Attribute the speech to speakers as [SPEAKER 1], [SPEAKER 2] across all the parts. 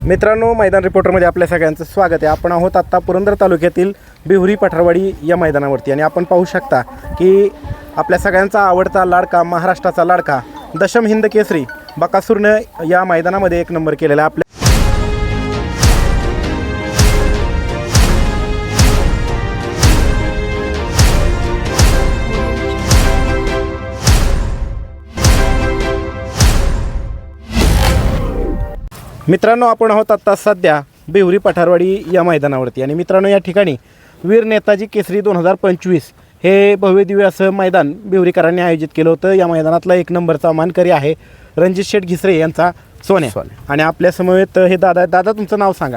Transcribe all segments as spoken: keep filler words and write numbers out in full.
[SPEAKER 1] मित्रांनो, मैदान रिपोर्टरमध्ये आपल्या सगळ्यांचं स्वागत आहे. आपण आहोत आत्ता पुरंदर तालुक्यातील बिहुरी पठारवाडी या मैदानावरती आणि आपण पाहू शकता की आपल्या सगळ्यांचा आवडता लाडका, महाराष्ट्राचा लाडका दशम हिंद केसरी बकासूरनं या मैदानामध्ये एक नंबर केलेला आपल्या मित्रांनो, आपण आहोत आत्ता सध्या बिहुरी पठारवाडी या मैदानावरती आणि मित्रांनो, या ठिकाणी वीर नेताजी केसरी दोन हजार पंचवीस हे भव्य दिव्य असं मैदान बिहुरीकरांनी आयोजित केलं होतं. या मैदानातला एक नंबरचा मानकरी आहे रणजित शेठ घिसरे यांचा सोन्या आणि आपल्या समवेत हे दादा. दादा, तुमचं नाव सांगा.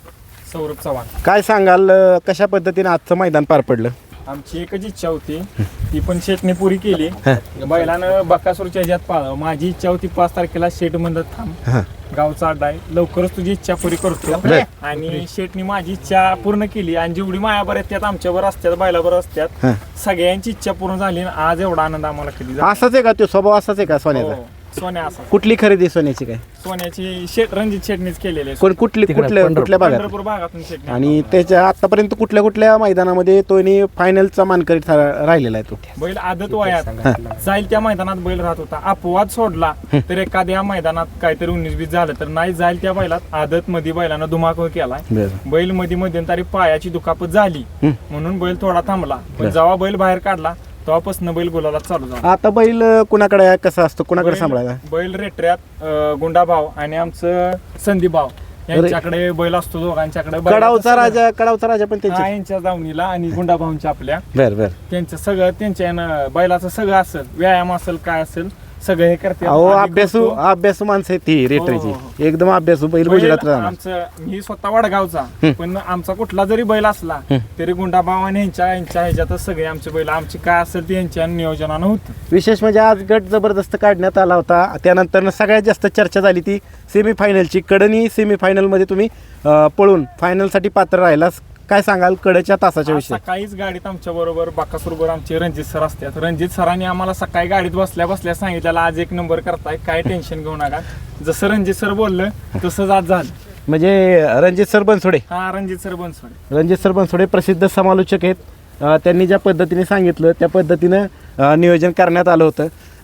[SPEAKER 2] सौरभ चव्हाण.
[SPEAKER 1] काय सांगाल, कशा पद्धतीने आजचं मैदान पार पडलं?
[SPEAKER 2] आमची एकच इच्छा होती, ती पण शेटने पुरी केली. बैलानं बकासूरच्या ह्याच्यात पाळावं. माझी इच्छा होती पाच तारखेला शेट म्हणत थांब, गावचा अड्डा आहे, लवकरच तुझी इच्छा पुरी करतो. आणि शेटने माझी इच्छा पूर्ण केली आणि जेवढी मायाबर आहेत त्यात आमच्यावर असतात, बैलाबर असतात, सगळ्यांची इच्छा पूर्ण झाली. आज एवढा आनंद आम्हाला केली.
[SPEAKER 1] असाच आहे का तो स्वभाव? असाच आहे का सोन्याचा?
[SPEAKER 2] सोन्या असा.
[SPEAKER 1] कुठली खरेदी सोन्याची? काय
[SPEAKER 2] सोन्याची शेट रणजित शेटनेच केलेली.
[SPEAKER 1] कोण कुठली कुठल्या कुठल्या भागात?
[SPEAKER 2] पंढरपूर भागातून शेट.
[SPEAKER 1] आणि त्याच्या आतापर्यंत कुठल्या कुठल्या मैदानामध्ये तो फायनलचा मानकरी राहिलेला आहे? तो
[SPEAKER 2] बैल आदत वयात जाईल त्या मैदानात बैल राहत होता. अपवाद सोडला तर एखाद्या मैदानात काहीतरी उन्नीस बीस झालं तर नाही, जाईल त्या बैलात आदत मध्ये बैलानं धुमाकूळ केलाय. बैल मध्ये मध्यंतरी पायाची दुखापत झाली म्हणून बैल थोडा थांबला, पण जेव्हा बैल बाहेर काढला तेव्हापासून बैल गुलाला चालू झाला.
[SPEAKER 1] आता बैल कुणाकडे आहे, कसा असतो, कुणाकडे सांभाळायला?
[SPEAKER 2] बैल रेटऱ्यात गुंडा भाव आणि आमचं संदीप भाव यांच्याकडे बैल असतो. दोघांच्याकडे
[SPEAKER 1] कडावचा राजा कडावचा राजा पण त्यांच्या
[SPEAKER 2] यांच्या दावणीला आणि गुंडा भाऊंच्या आपल्या
[SPEAKER 1] बर बर
[SPEAKER 2] त्यांचं सगळं त्यांच्या बैलाचं सगळं असेल, व्यायाम असेल, काय असेल सगळं हे करते.
[SPEAKER 1] अहो, अभ्यासू अभ्यासू माणसं आहे ती रेटरीची, एकदम अभ्यासू बैल. गुजरात
[SPEAKER 2] आमचं मी स्वतः वडगावचा, पण आमचा कुठला जरी बैल असला तरी गुंडा भाव आणि यांच्या यांच्या ह्याच्यातच सगळे आमचे बैल, आमची काय असेल ते यांच्या नियोजनानं होतं.
[SPEAKER 1] विशेष म्हणजे आज गट जबरदस्त काढण्यात आला होता. त्यानंतर सगळ्यात जास्त चर्चा झाली ती सेमीफायनलची. कडनी सेमीफायनलमध्ये तुम्ही पळून फायनलसाठी पात्र राहिलास. काय सांगाल कडच्या तासाच्या विषयी?
[SPEAKER 2] सकाळीच गाडीत आमच्या बरोबर बाकासूर बरोबर आमचे रणजित सर असतात. रणजित सरांनी आम्हाला सकाळी गाडीत बसल्या बसल्या सांगितलेलं आज एक नंबर करताय, काय टेन्शन घेऊ नका. जसं रणजित सर बोललं तसंच आज झालं.
[SPEAKER 1] म्हणजे रणजित सर बनसोडे
[SPEAKER 2] हा रणजित सर बनसोडे
[SPEAKER 1] रणजित सर बनसोडे प्रसिद्ध समालोचक आहेत. त्यांनी ज्या पद्धतीने सांगितलं त्या पद्धतीनं नियोजन करण्यात आलं होतं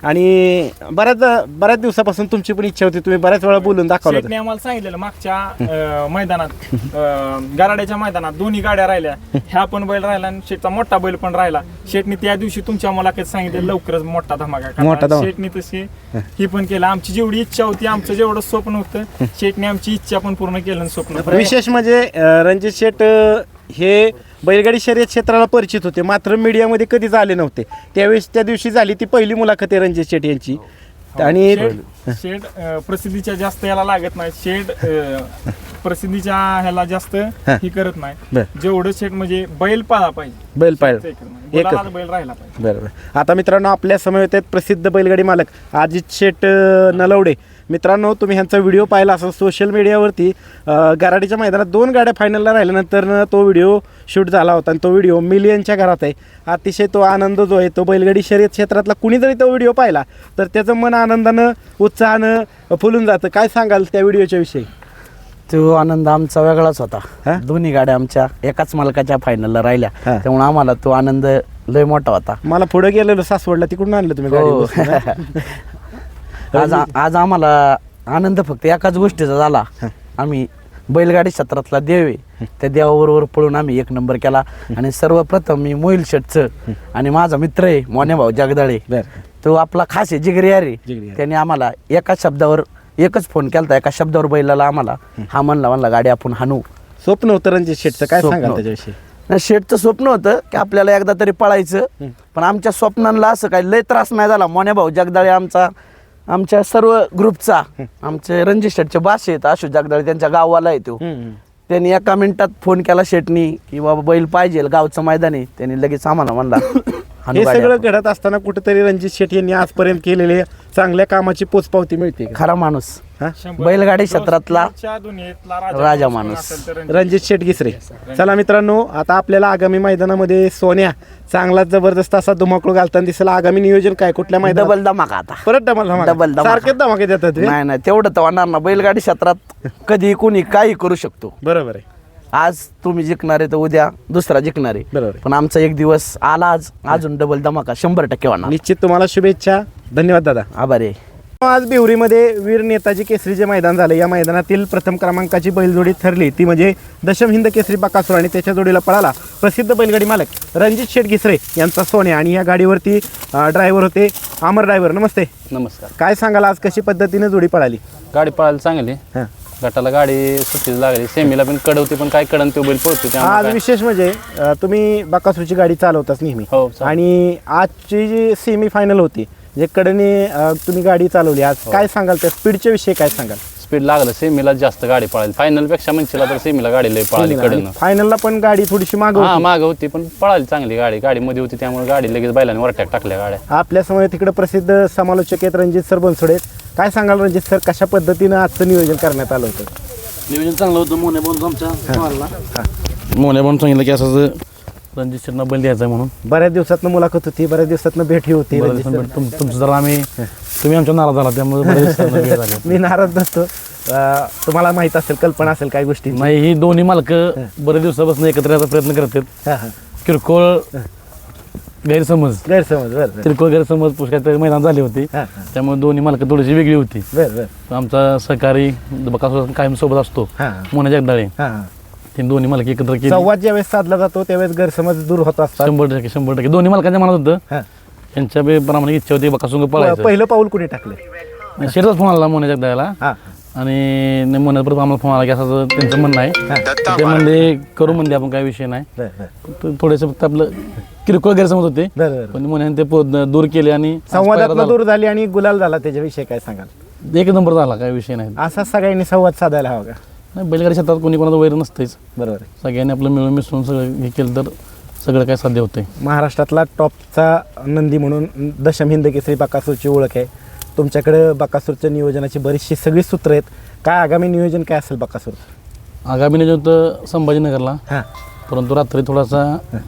[SPEAKER 1] आणि बऱ्याच बऱ्याच दिवसापासून तुमची पण इच्छा होती, तुम्ही बऱ्याच वेळा बोलून दाखवलं.
[SPEAKER 2] शेटने आम्हाला सांगितलेलं मागच्या मैदानात, गराड्याच्या मैदानात दोन्ही गाड्या राहिल्या, ह्या पण बैल राहिला आणि शेटचा मोठा बैल पण राहिला. शेटने त्या दिवशी तुमच्या मुलाखत सांगितलं लवकरच मोठा धमाका मोठा. शेटने तशी ही पण केलं. आमची जेवढी इच्छा होती, आमचं जेवढं स्वप्न होतं, शेटने आमची इच्छा पण पूर्ण केलं. स्वप्न
[SPEAKER 1] विशेष म्हणजे रणजित शेट हे बैलगाडी शर्यत क्षेत्राला परिचित होते, मात्र मीडियामध्ये कधीच आले नव्हते. त्यावेळेस त्या दिवशी झाली ती पहिली मुलाखत आहे रणजित शेट यांची. आणि
[SPEAKER 2] शेड प्रसिद्धीच्या जास्त याला लागत नाही, शेड प्रसिद्धीच्या ह्याला जास्त ही करत नाही. जेवढं शेट म्हणजे बैल पाळा पाहिजे,
[SPEAKER 1] बैल पाळ
[SPEAKER 2] बैल राहिला पाहिजे.
[SPEAKER 1] बरोबर. आता मित्रांनो, आपल्या समवेत आहेत प्रसिद्ध बैलगाडी मालक अजित शेट नलवडे. मित्रांनो, तुम्ही ह्यांचा व्हिडिओ पाहिला असेल सोशल मीडियावरती. गराडीच्या मैदानात दोन गाड्या फायनलला राहिल्यानंतर तो व्हिडिओ शूट झाला होता आणि तो व्हिडिओ मिलियनच्या घरात आहे. अतिशय तो आनंद जो आहे तो बैलगाडी शर्यत क्षेत्रातला कुणी जरी तो व्हिडिओ पाहिला तर त्याचं मन आनंदानं उत्साहानं फुलून जातं. काय सांगाल त्या व्हिडिओच्या विषयी?
[SPEAKER 3] तो आनंद आमचा वेगळाच होता. दोन्ही गाड्या आमच्या एकाच मालकाच्या फायनलला राहिल्या, त्यामुळे आम्हाला तो आनंद लय मोठा होता.
[SPEAKER 1] मला पुढे गेलेलो सासवडला, तिकडून आणलं तुम्ही गाडी?
[SPEAKER 3] आज आज आम्हाला आनंद फक्त एकाच गोष्टीचा झाला, आम्ही बैलगाडी क्षेत्रातला देव आहे त्या देवाबरोबर पळून आम्ही एक नंबर केला. आणि सर्वप्रथम मी मोहिल शेटचं आणि माझा मित्र आहे मोन्या भाऊ जगदाळे, तो आपला खास आहे, जिगरी यार आहे. त्याने आम्हाला एकाच शब्दावर एकच फोन केला, एका शब्दावर बैलाला आम्हाला हा म्हणला म्हणला गाडी आपण हाणू.
[SPEAKER 1] स्वप्न होतं रणजित शेटचं, काय सांगाल त्याच्याविषयी?
[SPEAKER 3] शेटचं स्वप्न होतं की आपल्याला एकदा तरी पळायचं, पण आमच्या स्वप्नांना असं काही लय त्रास नाही झाला. मोन्या भाऊ जगदाळे आमचा आमच्या सर्व ग्रुपचा, आमचे रणजित शेटचे बास आहेत आशू जगदाळे, त्यांच्या गावाला आहे तो. त्यांनी एका मिनिटात फोन केला शेटनी की बाबा बैल पाहिजे, गावचं मैदान आहे. त्यांनी लगेच आम्हाला म्हणला.
[SPEAKER 1] हे सगळं घडत असताना कुठेतरी रणजित शेट यांनी आजपर्यंत केलेले चांगल्या कामाची पोचपावती मिळते.
[SPEAKER 3] खरा माणूस.
[SPEAKER 1] हा?
[SPEAKER 2] शंभर
[SPEAKER 3] बैलगाडी
[SPEAKER 2] जो
[SPEAKER 3] क्षेत्रातला
[SPEAKER 2] स्पीडच्या दुनियेतला
[SPEAKER 3] राजा
[SPEAKER 2] कोण
[SPEAKER 3] माणूस.
[SPEAKER 2] असेल तर रणजित.
[SPEAKER 1] रणजित शेट गिसरे. चला मित्रांनो, आता आपल्याला आगामी मैदानामध्ये सोन्या चांगला जबरदस्त असा धुमाकूळ घालताना दिसेल. आगामी नियोजन काय, कुठल्या मैदानात?
[SPEAKER 3] डबल धमाका आता.
[SPEAKER 1] परत डबल धमाका?
[SPEAKER 3] डबल धमाका.
[SPEAKER 1] सारखेच धमाके देतात रे.
[SPEAKER 3] नाही नाही तेवढं तर होणार ना. बैलगाडी क्षेत्रात कधी कोणी काही करू शकतो.
[SPEAKER 1] बरोबर आहे.
[SPEAKER 3] आज तुम्ही जिंकणारे तर उद्या दुसरा जिंकणारे.
[SPEAKER 1] बरोबर आहे.
[SPEAKER 3] पण आमचा एक दिवस आला आज, अजून डबल धमाका शंभर टक्के होणार.
[SPEAKER 1] निश्चित तुम्हाला शुभेच्छा. धन्यवाद दादा.
[SPEAKER 3] आभारी आहे.
[SPEAKER 1] आज बिवरीमध्ये वीर नेताजी केसरी जे मैदान झालं, या मैदानातील प्रथम क्रमांकाची बैलजोडी ठरली ती म्हणजे दशम हिंद केसरी बकासूर आणि त्याच्या जोडीला पळाला प्रसिद्ध बैलगाडी मालक रणजित शेट गिसरे यांचा सोन्या. आणि या गाडीवरती ड्रायव्हर होते अमर ड्रायव्हर. नमस्ते.
[SPEAKER 4] नमस्कार.
[SPEAKER 1] काय सांगाल आज कशी पद्धतीने जोडी पळाली?
[SPEAKER 4] गाडी पळायला चांगली.
[SPEAKER 1] हां.
[SPEAKER 4] गटाला गाडी सुट्टीच लागली. सेमीला पण कड होती, पण काय कडन तो बैल पळतो
[SPEAKER 1] आज
[SPEAKER 4] त्यामुळे काय-
[SPEAKER 1] विशेष म्हणजे अं, तुम्ही बकासूरची गाडी चालवताच नेहमी
[SPEAKER 4] हो, चालव.
[SPEAKER 1] आणि आजची जी सेमी फायनल होती जे कडने अं, तुम्ही गाडी चालवली आज, काय सांगाल त्या स्पीडच्या विषयी काय सांगाल?
[SPEAKER 4] स्पीड लागलं. सेमीला जास्त गाडी पळाली. फायनल पेक्षा म्हणशीला तर सेमीला गाडी लय पळाली कडनं.
[SPEAKER 1] फायनलला पण गाडी थोडीशी माग
[SPEAKER 4] हा माग होती, पण पळाली चांगली गाडी. गाडी मध्ये होती त्यामुळे गाडी लगेच बैलाने वरट्याक टाकल्या गाड्या.
[SPEAKER 1] आपल्या समोर तिकडे प्रसिद्ध समालोचक आहेत रणजित सर बनसोडे. काय सांगाल रणजित सर, कशा पद्धतीनं आजचं नियोजन करण्यात आलं होतं?
[SPEAKER 5] नियोजन चांगलं होतं. मोने बोलतो आमच्या मोने बोलून सांगितलं की असं रणजित शेटना बैल द्यायचा म्हणून.
[SPEAKER 1] बऱ्याच दिवसातनं मुलाखत होती, बऱ्याच दिवसातनं भेटी होती.
[SPEAKER 5] बरं
[SPEAKER 1] रणजित
[SPEAKER 5] दिवसांनी
[SPEAKER 1] सर,
[SPEAKER 5] भेट- तुम- तुमचं जरा आम्ही तुम्ही आमच्या नाराज झाला त्यामुळे बऱ्याच दिवसांनी भेट झाली.
[SPEAKER 1] मी नाराज नसतो. अं, तुम्हाला माहित असेल, कल्पना असेल काही गोष्टी.
[SPEAKER 5] नाही ही दोन्ही मालक बरेच दिवसापासून एकत्र यायचा प्रयत्न करतात. किरकोळ गैरसमज
[SPEAKER 1] गैरसमज. बरं बरं.
[SPEAKER 5] किरकोळ गैरसमज पुष्कळ मैदान झाली होती.
[SPEAKER 1] हां,
[SPEAKER 5] त्यामुळे दोन्ही मालक थोडीशी वेगळी होती.
[SPEAKER 1] बरं बरं.
[SPEAKER 5] आमचा सहकारी बकासूर कायम सोबत असतो
[SPEAKER 1] हां
[SPEAKER 5] मोने जगदाळे.
[SPEAKER 1] हां हां.
[SPEAKER 5] ते दोन्ही मालक एकत्र केली.
[SPEAKER 1] संवाद ज्यावेळेस साधला जातो त्यावेळेस गैरसमज दूर होत असतात.
[SPEAKER 5] शंभर टक्के शंभर टक्के दोन्ही मालकांच्या मनात होतं.
[SPEAKER 1] हां.
[SPEAKER 5] यांच्या बी प्रामाणिक इच्छा होती बकासूर पळायचं.
[SPEAKER 1] पहिलं पाऊल कुणी टाकलं?
[SPEAKER 5] शेरचाच फोन आला मोने जगदाळेला.
[SPEAKER 1] हां
[SPEAKER 5] आणि मोन्यात परत आम्हाला फोन आला की असं त्यांचं म्हणणं आहे. ते म्हणले करू म्हणले आपण काही विषय नाही.
[SPEAKER 1] बरं बरं.
[SPEAKER 5] तर थोडेसे फक्त आपलं किरकोळ गैरसमज होते.
[SPEAKER 1] बरं बरं.
[SPEAKER 5] पण मोन्याने ते पो- दूर केले आणि आज
[SPEAKER 1] संवादात
[SPEAKER 5] पायरा
[SPEAKER 1] दूर झाली आणि गुलाल झाला, त्याच्याविषयी काय सांगाल?
[SPEAKER 5] झाला. एक नंबर झाला काही विषय नाही.
[SPEAKER 1] असा सगळ्यांनी संवाद साधायला हवा का?
[SPEAKER 5] नाही बैलगाडी क्षेत्रात कोणी कोणाचं वैर नसतेच.
[SPEAKER 1] बरोबर आहे.
[SPEAKER 5] सगळ्यांनी आपलं मिळून मिसळून सगळं हे केलं तर सगळं काय साध्य होतंय.
[SPEAKER 1] महाराष्ट्रातला टॉपचा नंदी म्हणून दशम हिंद केसरी बकासूरची ओळख आहे. तुमच्याकडे बकासूरच्या नियोजनाची बरीचशी सगळी सूत्र आहेत. काय आगामी नियोजन काय असेल बकासूर?
[SPEAKER 5] आगामी नियोजन होतं संभाजीनगरला,
[SPEAKER 1] हां
[SPEAKER 5] परंतु रात्री थोडासा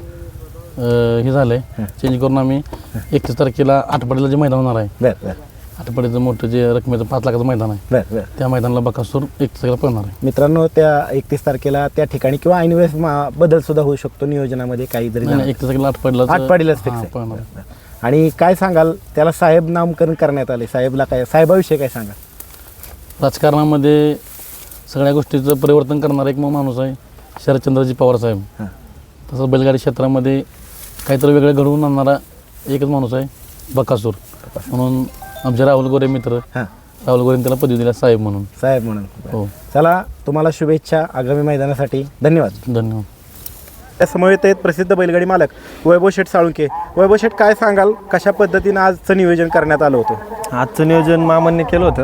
[SPEAKER 5] अं, हे झालंय चेंज करून आम्ही एकतीस तारखेला आठपाडीला जे मैदान होणार आहे,
[SPEAKER 1] बरं बरं
[SPEAKER 5] आठपाडीचं मोठं जे रकमेचं पाच लाखाचं मैदान आहे,
[SPEAKER 1] बरं बरं.
[SPEAKER 5] त्या मैदानाला बकासूर एकतीस तारखेला पळणार आहे.
[SPEAKER 1] मित्रांनो, त्या एकतीस तारखेला त्या ठिकाणी किंवा ऐन वेळेस मा- बदल सुद्धा होऊ शकतो नियोजनामध्ये काही जरी
[SPEAKER 5] नाही
[SPEAKER 1] झालं.
[SPEAKER 5] एकतीस तारखेला आठपाडीला
[SPEAKER 1] आठपाडीलाच फिक्स आहे.
[SPEAKER 5] पळणार.
[SPEAKER 1] बरं, बरं. आणि काय सांगाल, त्याला साहेब नामकरण करण्यात आले, साहेबला काय, साहेबाविषयी काय सांगा?
[SPEAKER 5] राजकारणामध्ये सगळ्या गोष्टीचं परिवर्तन करणारा एक माणूस आहे शरदचंद्रजी पवार साहेब.
[SPEAKER 1] हां
[SPEAKER 5] तसंच बैलगाडी क्षेत्रामध्ये काहीतरी वेगळं घडवून आणणारा एकच माणूस आहे बकासूर. म्हणून आमचे राहुल गोरे मित्र
[SPEAKER 1] हां
[SPEAKER 5] राहुल गोरेंनी त्याला पदवी दिला साहेब म्हणून.
[SPEAKER 1] साहेब म्हणून.
[SPEAKER 5] हो
[SPEAKER 1] चला, तुम्हाला शुभेच्छा आगामी मैदानासाठी. धन्यवाद.
[SPEAKER 5] धन्यवाद.
[SPEAKER 1] त्या समवेत आहेत प्रसिद्ध बैलगाडी मालक वैभव शेठ साळुंके. वैभव शेठ, काय सांगाल, कशा पद्धतीनं आजचं नियोजन करण्यात आलं होतं?
[SPEAKER 6] आजचं नियोजन मामांनी केलं होतं.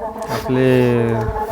[SPEAKER 6] आपले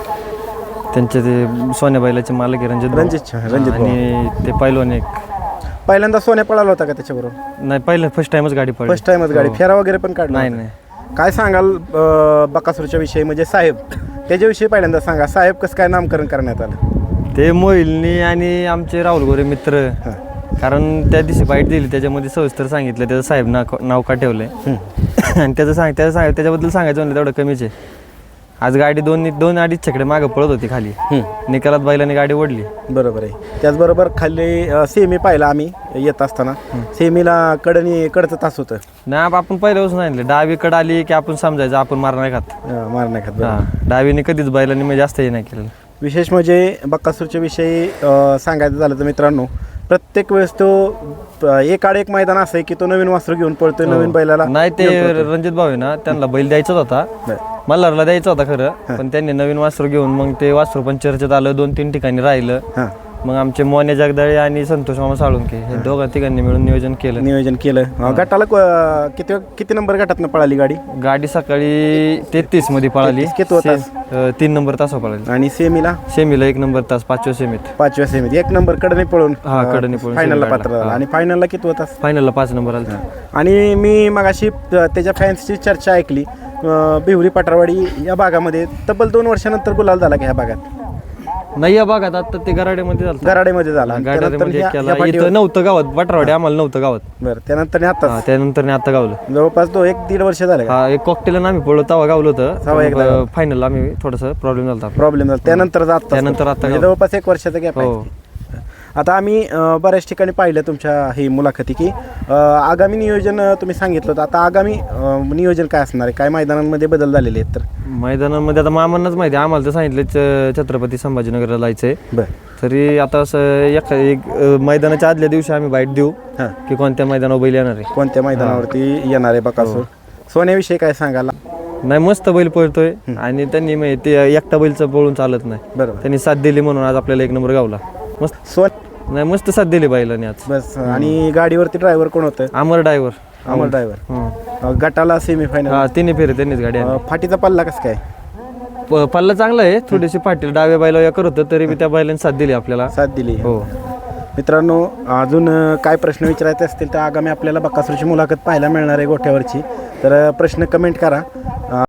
[SPEAKER 6] त्यांचे ते सोन्या बैलाचे मालक आहे रणजित भाऊ.
[SPEAKER 1] रणजित रणजित भाऊ.
[SPEAKER 6] आणि ते पैलवान एक
[SPEAKER 1] पहिल्यांदा सोन्या पळाला होता का त्याच्याबरोबर?
[SPEAKER 6] नाही, पहिलं फर्स्ट टाइमच गाडी पडली.
[SPEAKER 1] फर्स्ट टाइमच गाडी, फेरा वगैरे पण काढला
[SPEAKER 6] नाही
[SPEAKER 1] होता?
[SPEAKER 6] नाही
[SPEAKER 1] काय सांगाल अं, बकासूरच्या विषयी, म्हणजे साहेब त्याच्याविषयी पहिल्यांदा सांगा. साहेब कसं काय नामकरण करण्यात आलं?
[SPEAKER 6] ते मोहिलनी आणि आमचे राहुल गोरे मित्र, कारण त्या दिवशी बाईट दिली त्याच्यामध्ये सविस्तर सांगितलं त्याचं साहेब ना नाव का ठेवलंय. आणि त्याचं सांग त्याचं सांग त्याच्याबद्दल सांगायचं म्हणलं तेवढं कमीच आहे. आज गाडी दोन दोन अडीच छकडे मागं पळत होती खाली, निकालात बैलाने गाडी ओढली.
[SPEAKER 1] बरोबर आहे. त्याचबरोबर खाली अं, सेमी पाहिला आम्ही येत असताना. सेमीला कडनी कडचं तास होतं.
[SPEAKER 6] नाही आप- आपण पहिल्यापासून सांगितलं डावीकडे आली की आपण समजायचं आपण मारणार खात.
[SPEAKER 1] अं, मारण्याखात.
[SPEAKER 6] हा, डावीने कधीच बैलांनी म्हणजे जास्त हे नाही केलं.
[SPEAKER 1] विशेष म्हणजे बकासूरच्या विषयी अं, सांगायचं झालं तर मित्रांनो, प्रत्येक वेळेस तो अं, एक आड एक मैदान असं आहे की तो नवीन वासरू घेऊन पळतोय, नवीन बैलाला
[SPEAKER 6] नाही ते
[SPEAKER 1] घेऊन पळतोय.
[SPEAKER 6] रणजित भाऊ आहे ना, त्यांना बैल द्यायचाच होता,
[SPEAKER 1] बरं.
[SPEAKER 6] मल्हारला द्यायचा होता खरं, पण त्यांनी नवीन वासरू घेऊन मग ते वासरू पण चर्चेत आलं, दोन तीन ठिकाणी राहिलं.
[SPEAKER 1] हां
[SPEAKER 6] मग आमचे मोने जगदाळे आणि संतोष मामा साळुंके हे दोघा तिघांनी मिळून नियोजन केलं.
[SPEAKER 1] नियोजन केलं. अं, गटाला क- किती किती नंबर गटातनं पळाली गाडी?
[SPEAKER 6] गाडी सकाळी तेहतीस मध्ये पळाली.
[SPEAKER 1] तेहतीस कितवा तास?
[SPEAKER 6] से- अं, तीन नंबर तास पळाली.
[SPEAKER 1] आणि सेमीला
[SPEAKER 6] सेमीला एक नंबर तास, पाचव्या सेमीत.
[SPEAKER 1] पाचव्या सेमीत एक नंबर कडने पळून
[SPEAKER 6] हा, कडनी पळून
[SPEAKER 1] फायनलला
[SPEAKER 6] सेमी
[SPEAKER 1] पात्र
[SPEAKER 6] काढला.
[SPEAKER 1] झाला.
[SPEAKER 6] हा.
[SPEAKER 1] आणि फायनलला किती होता?
[SPEAKER 6] फायनलला पाच नंबर आला.
[SPEAKER 1] आणि मी मगाशी त्याच्या फॅन्सची चर्चा ऐकली अं, बिहुरी पटरवाडी या भागामध्ये तब्बल दोन वर्षानंतर गुलाल झाला की ह्या भागात
[SPEAKER 6] नाही या भागात आता ते गराड्यामध्ये झालं
[SPEAKER 1] गराडेमध्ये झाला त्यानंतर
[SPEAKER 6] गाड्यामध्ये
[SPEAKER 1] ह्या-
[SPEAKER 6] केला
[SPEAKER 1] ह्या पाठीवर-
[SPEAKER 6] इथं नव्हतं गावात बटरवाडी आम्हाला नव्हतं गावात
[SPEAKER 1] बरं त्यानंतर आता
[SPEAKER 6] हा, त्यानंतर आता गावलं
[SPEAKER 1] जवळपास तो एक दीड वर्ष झाले
[SPEAKER 6] हा एक कॉकटेल आम्ही पडलो तेव्हा गावलं
[SPEAKER 1] तेव्हा एकदा
[SPEAKER 6] होतं
[SPEAKER 1] गावलं.
[SPEAKER 6] फायनल आम्ही थोडंसं प्रॉब्लेम झाला
[SPEAKER 1] प्रॉब्लेम झाला त्यानंतर जात
[SPEAKER 6] त्यानंतर आता गावलं.
[SPEAKER 1] जवळपास एक वर्षाचा गॅप
[SPEAKER 6] हो.
[SPEAKER 1] आहे आता आम्ही अं, बऱ्याच ठिकाणी पाहिलं तुमच्या ही मुलाखती की अं, आगामी नियोजन अं, तुम्ही सांगितलं होतं आता आगामी अं, नियोजन काय असणार आहे काय मैदानांमध्ये बदल झालेले आहेत तर
[SPEAKER 6] मैदानामध्ये आता मामांनाच माहिती आहे, आम्हाला तर सांगितलं च- छत्रपती संभाजीनगरला जायचंय
[SPEAKER 1] बरं
[SPEAKER 6] तरी आता असं एक एक अं, मैदानाच्या आदल्या दिवशी आम्ही बाईट देऊ
[SPEAKER 1] हां
[SPEAKER 6] की कोणत्या मैदानावर बैल येणार आहे
[SPEAKER 1] कोणत्या मैदानावरती येणार आहे बकासूर सोन्याविषयी काय सांगायला
[SPEAKER 6] नाही मस्त बैल पळतोय आणि त्यांनी माहिती ते एकटा बैलचं पळून चालत नाही
[SPEAKER 1] बरोबर
[SPEAKER 6] त्यांनी साथ दिली म्हणून आज आपल्याला एक नंबर गावला मस्त
[SPEAKER 1] सोन
[SPEAKER 6] नाही मस्त साथ दिली बैलाने आज
[SPEAKER 1] बस आणि गाडीवरती ड्रायव्हर कोण होतं
[SPEAKER 6] अमर ड्रायव्हर
[SPEAKER 1] अमर ड्रायव्हर गटाला सेमीफायनल
[SPEAKER 6] हा तिन्ही फेरे त्यांनीच गाडी आणली.
[SPEAKER 1] फाटीचा पल्ला कसं काय
[SPEAKER 6] प- पल्ला चांगला आहे थोडीशी पाटील डाव्या बैला या करत होतं तरी बी त्या बैलाने साथ दिली आपल्याला
[SPEAKER 1] साथ दिली
[SPEAKER 6] हो
[SPEAKER 1] मित्रांनो अजून अ, काय प्रश्न विचारायचे असतील तर आगामी आपल्याला बकासूरची मुलाखत पाहायला मिळणार आहे गोठ्यावरची तर अ, प्रश्न कमेंट करा अ,